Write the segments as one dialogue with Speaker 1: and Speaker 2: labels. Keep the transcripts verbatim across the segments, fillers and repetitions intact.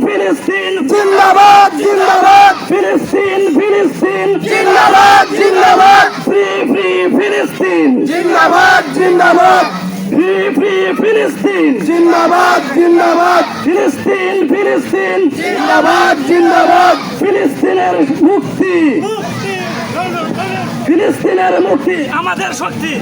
Speaker 1: ফিলিস্তিন
Speaker 2: জিন্দাবাদ জিন্দাবাদ
Speaker 1: ফিলিস্তিন ফিলিস্তিন
Speaker 2: জিন্দাবাদ জিন্দাবাদ
Speaker 1: ফ্রি ফ্রি ফিলিস্তিন
Speaker 2: জিন্দাবাদ জিন্দাবাদ
Speaker 1: ফ্রি ফ্রি ফিলিস্তিন
Speaker 2: জিন্দাবাদ জিন্দাবাদ
Speaker 1: ফিলিস্তিন ফিলিস্তিন
Speaker 2: জিন্দাবাদ জিন্দাবাদ
Speaker 1: ফিলিস্তিনের মুক্তি ফিলিস্তিনের মুক্তি আমাদের শক্তি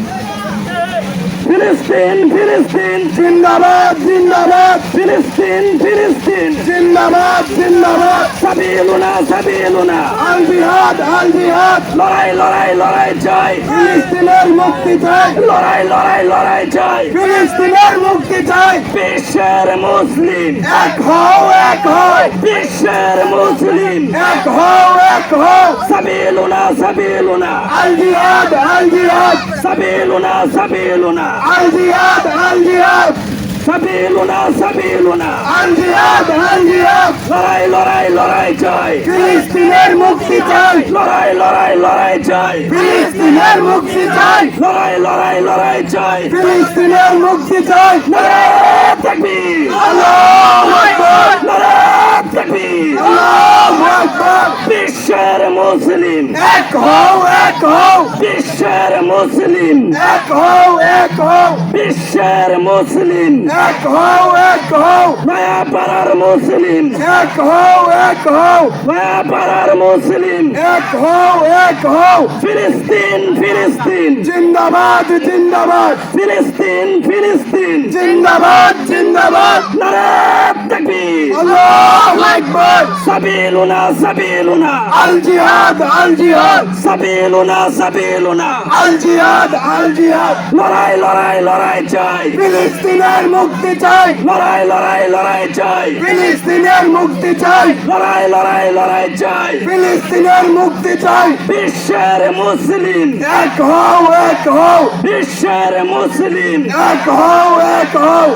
Speaker 1: ফিলিস্তিন ফিলিস্তিন
Speaker 2: জিন্দাবাদ জিন্দাবাদ
Speaker 1: ফিলিস্তিন ফিলিস্তিন
Speaker 2: জিন্দাবাদ জিন্দাবাদ
Speaker 1: সাবিলুনা সাবিলুনা
Speaker 2: আল জিহাদ আল জিহাদ
Speaker 1: লড়াই লড়াই লড়াই চাই
Speaker 2: ফিলিস্তিনের মুক্তি চাই
Speaker 1: লড়াই লড়াই লড়াই চাই
Speaker 2: ফিলিস্তিনের মুক্তি চাই
Speaker 1: বিশ্বের মুসলিম
Speaker 2: এক হও এক হও
Speaker 1: বিশ্বের মুসলিম
Speaker 2: এক হও এক হও
Speaker 1: সাবিলুনা সাবিলুনা
Speaker 2: আল জিহাদ আল জিহাদ
Speaker 1: সাবিলুনা সাবিলুনা
Speaker 2: আল জিহাদ আল জিহাদ
Speaker 1: সাবিলুনা সাবিলুনা
Speaker 2: আল জিহাদ আল জিহাদ
Speaker 1: লড়াই লড়াই লড়াই চাই
Speaker 2: ফিলিস্তিনের মুক্তি চাই
Speaker 1: লড়াই লড়াই লড়াই চাই
Speaker 2: ফিলিস্তিনের মুক্তি চাই
Speaker 1: লড়াই লড়াই লড়াই চাই
Speaker 2: ফিলিস্তিনের মুক্তি চাই
Speaker 1: নারায়ে তাকবীর
Speaker 2: আল্লাহু আকবার
Speaker 1: নারায়ে তাকবীর
Speaker 2: আল্লাহু আকবার
Speaker 1: বিশ্বের মুসলিম
Speaker 2: এক হও এক হও
Speaker 1: বিশ্বের মুসলিম
Speaker 2: এক হও এক হও
Speaker 1: বিশ্বের মুসলিম
Speaker 2: এক হও এক হও
Speaker 1: নয়া পাড়ার মুসলিম
Speaker 2: এক হও এক হও
Speaker 1: নয়া পাড়ার মুসলিম
Speaker 2: এক হও এক হও
Speaker 1: ফিলিস্তিন ফিলিস্তিন
Speaker 2: জিন্দাবাদ জিন্দাবাদ
Speaker 1: ফিলিস্তিন ফিলিস্তিন
Speaker 2: জিন্দাবাদ জিন্দাবাদ
Speaker 1: নারায়ে তাকবীর
Speaker 2: আল্লাহু আকবার
Speaker 1: সাবিলুনা সাবিলুনা
Speaker 2: আল জিহাদ আল জিহাদ
Speaker 1: সাবিলুনা সাবিলুনা
Speaker 2: আল জিহাদ আল জিহাদ
Speaker 1: লড়াই লড়াই লড়াই চাই
Speaker 2: ফিলিস্তিনের মুক্তি চাই
Speaker 1: লড়াই লড়াই লড়াই চাই
Speaker 2: ফিলিস্তিনের মুক্তি চাই
Speaker 1: লড়াই লড়াই লড়াই চাই
Speaker 2: ফিলিস্তিনের মুক্তি চাই
Speaker 1: বিশ্বের মুসলিম
Speaker 2: এক হও এক হও
Speaker 1: বিশ্বের মুসলিম
Speaker 2: এক হও এক হও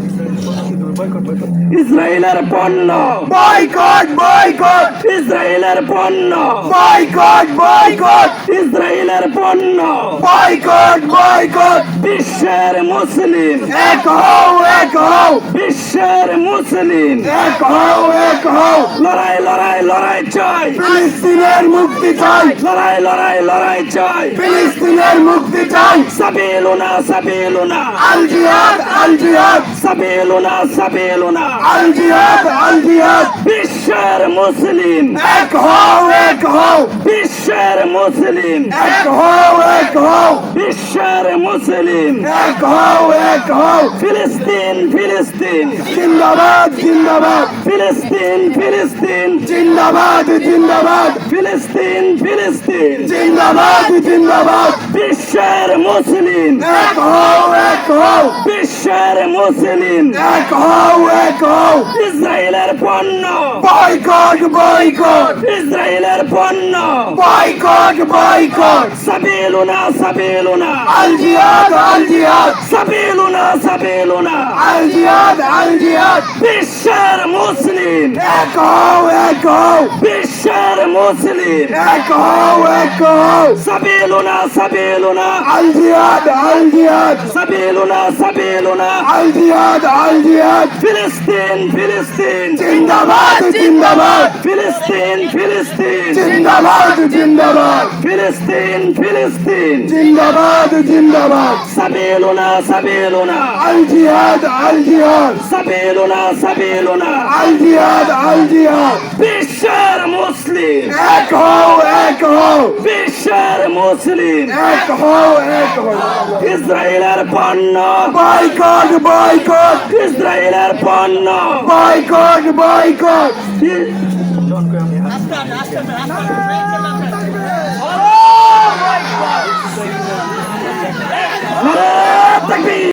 Speaker 1: ইসরায়েলের পণ্য
Speaker 2: বয়কট বয়কট
Speaker 1: ইসরায়েলের পণ্য
Speaker 2: বয়কট বয়কট
Speaker 1: ইসরায়েলের পণ্য
Speaker 2: বয়কট বয়কট
Speaker 1: বিশ্বের মুসলিম
Speaker 2: এক হও এক হও
Speaker 1: বিশ্বের মুসলিম
Speaker 2: এক হও এক হও
Speaker 1: লড়াই লড়াই লড়াই চাই
Speaker 2: ফিলিস্তিনের মুক্তি চাই
Speaker 1: লড়াই লড়াই লড়াই চাই
Speaker 2: ফিলিস্তিনের মুক্তি চাই
Speaker 1: সাবিলুনা সাবিলুনা
Speaker 2: আল জিহাদ আল জিহাদ
Speaker 1: সাবিলুনা সাবিলুনা
Speaker 2: আল জিহাদ আল জিহাদ
Speaker 1: বিশ্বের মুসলিম
Speaker 2: এক হও এক হও
Speaker 1: বিশ্বের মুসলিম
Speaker 2: এক হও এক হও
Speaker 1: বিশ্বের মুসলিম
Speaker 2: এক হও এক হও
Speaker 1: ফিলিস্তিন ফিলিস্তিন
Speaker 2: জিন্দাবাদ জিন্দাবাদ
Speaker 1: ফিলিস্তিন ফিলিস্তিন
Speaker 2: জিন্দাবাদ জিন্দাবাদ
Speaker 1: ফিলিস্তিন ফিলিস্তিন
Speaker 2: জিন্দাবাদ জিন্দাবাদ
Speaker 1: বিশ্বের মুসলিম
Speaker 2: এক হও এক হও
Speaker 1: বিশ্বের মুসলিম
Speaker 2: এক হও এক হও
Speaker 1: ইসরায়েলের পণ্য
Speaker 2: বয়কট বয়কট
Speaker 1: ইসরায়েলের পণ্য
Speaker 2: বয়কট বয়কট
Speaker 1: সাবিলুনা সাবিলুনা
Speaker 2: আল জিহাদ আল জিহাদ
Speaker 1: সাবিলুনা সাবিলুনা
Speaker 2: আল জিহাদ আল জিহাদ
Speaker 1: বিশ্বের মুসলিম
Speaker 2: এক হও এক হও
Speaker 1: বিশ্বের মুসলিম
Speaker 2: এক হও এক হও
Speaker 1: সাবিলুনা সাবিলুনা
Speaker 2: আল জিহাদ আল জিহাদ
Speaker 1: সাবিলুনা সাবিলুনা
Speaker 2: আল জিহাদ আল জিহাদ
Speaker 1: ফিলিস্তিন ফিলিস্তিন
Speaker 2: জিন্দাবাদ জিন্দাবাদ
Speaker 1: ফিলিস্তিন ফিলিস্তিন
Speaker 2: জিন্দাবাদ জিন্দাবাদ
Speaker 1: ফিলিস্তিন ফিলিস্তিন
Speaker 2: জিন্দাবাদ জিন্দাবাদ
Speaker 1: সাবিলুনা সাবিলুনা
Speaker 2: আল জিহাদ আল জিহাদ
Speaker 1: সাবিলুনা সাবিলুনা
Speaker 2: আল জিহাদ আল জিহাদ
Speaker 1: বিশ্বের মুসলিম
Speaker 2: এক হও এক হও
Speaker 1: বিশ্বের মুসলিম
Speaker 2: এক হও এক হও
Speaker 1: ইসরায়েলের পণ্য
Speaker 2: বয়কট বয়কট
Speaker 1: ইসরায়েলের পণ্য
Speaker 2: বয়কট বয়কট
Speaker 1: নারায়ে তাকবীর